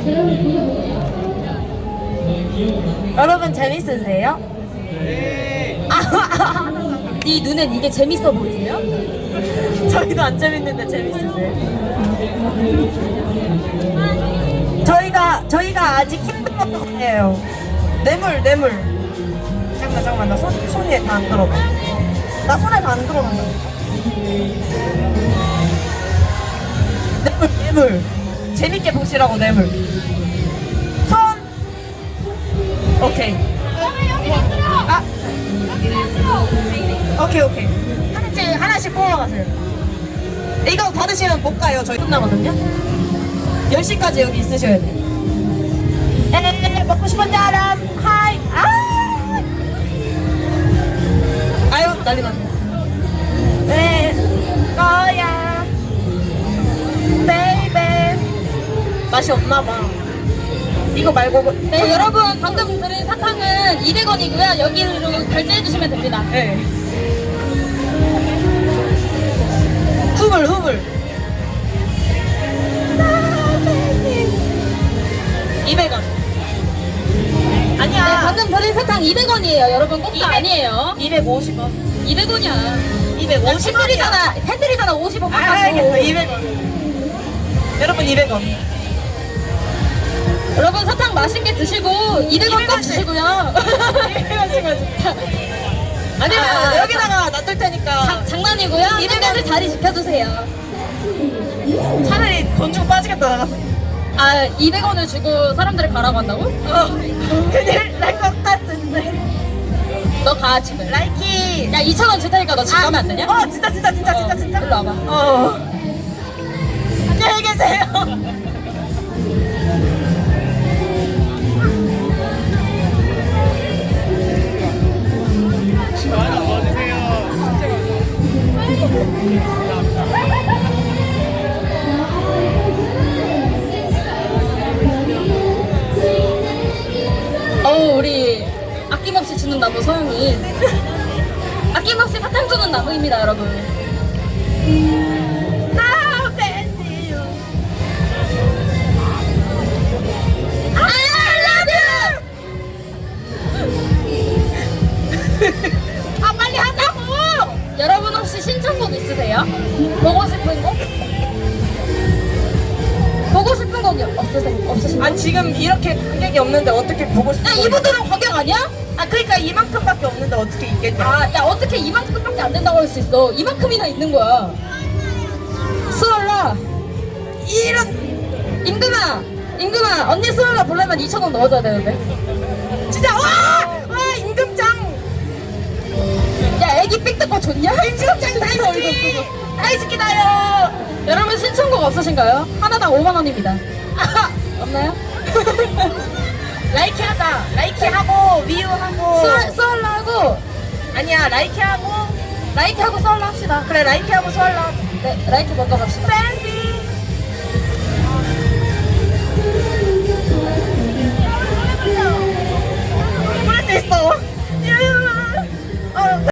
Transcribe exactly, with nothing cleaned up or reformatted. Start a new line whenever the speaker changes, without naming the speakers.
여러분 재밌으세요?
네.
네 눈엔 이게 재밌어 보이세요? 저희도 안 재밌는데 재밌으세요? 저희가 저희가 아직 힘들어요. 뇌물 뇌물. 잠깐만 잠깐만 나 손, 손에 다 안 들어가. 나 손에 다 안 들어간다. 뇌물 뇌물. 재밌게 보시라고 뇌물. 손. 오케이. 아. 오케이 오케이. 하나씩 하나씩 뽑아가세요. 이거 받으시면 못 가요. 저희 끝나거든요. 열 시까지 여기 있으셔야 돼요. 에에에 먹고 싶은 사람 하이. 아. 아유 난리 났네. 네 거야 베이베. 맛이 없나봐. 이거 말고.
네, 여러분 방금 드린 사탕은 이백 원이고요. 여기로 결제해 주시면 됩니다.
네. 후불 후불. 이백 원. 아니야.
네, 방금 드린 사탕 이백 원이에요. 여러분 공짜 아니에요.
이백오십 원.
이백 원이야.
이백오십 원이야.
팬들이잖아. 팬들이잖아. 오십 원
아,
깎아줘.
알겠어. 이백 원. 여러분 이백 원.
여러분 사탕 맛있게 드시고 이백 원 꼭
원씩.
주시고요.
이백 원씩 가지고. 아니야.
아,
여기다가 놔둘 테니까.
장, 장난이고요. 이백 원을 자리 지켜주세요.
차라리 돈 주고 빠지겠다 나가서.
아, 이백 원을 주고 사람들을 가라고 한다고?
어. 큰일 날 것 같은데.
너 가 지금.
라이키.
야 이천 원 줄 테니까 너 지금 가면 안 되냐?
어 진짜 진짜 진짜 진짜
어,
진짜.
일로 와봐.
어. 안녕히 계세요.
많이 도와주세요.
어우 우리 아낌없이 주는 나무 서영이 아낌없이 사탕 주는 나무입니다 여러분.
아 팬티 유.
I love you!
아 빨리 하자고.
여러분 혹시 신청곡 있으세요? 보고 싶은 곡? 보고 싶은 곡이 없으세요? 없으신가요?
아 지금 이렇게 관객이 없는데 어떻게 보고 싶어?
야 이분들은 관객 아니야?
아 그러니까 이만큼밖에 없는데 어떻게 있겠지?
아, 야 어떻게 이만큼밖에 안 된다고 할 수 있어? 이만큼이나 있는 거야. 수월라,
이런
임금아, 임금아, 언니 수월라 보려면 이천 원 넣어줘야 되는데.
진짜 와와 임금장.
야 애기 삑 뜯고 좋냐?
임금장 다이스키. 다이스키다요.
여러분 신청곡 없으신가요? 하나당 오만 원입니다. 없나요?
라이키 하자. 라이키 하고 위유 하고.
수월, 수월라 하고
아니야 라이키 하고.
라이트 하고 수월라 합시다.
그래 라이키 하고 수월라.
네, 라이트 먼저 갑시다.
팬시. 부를 수 있어.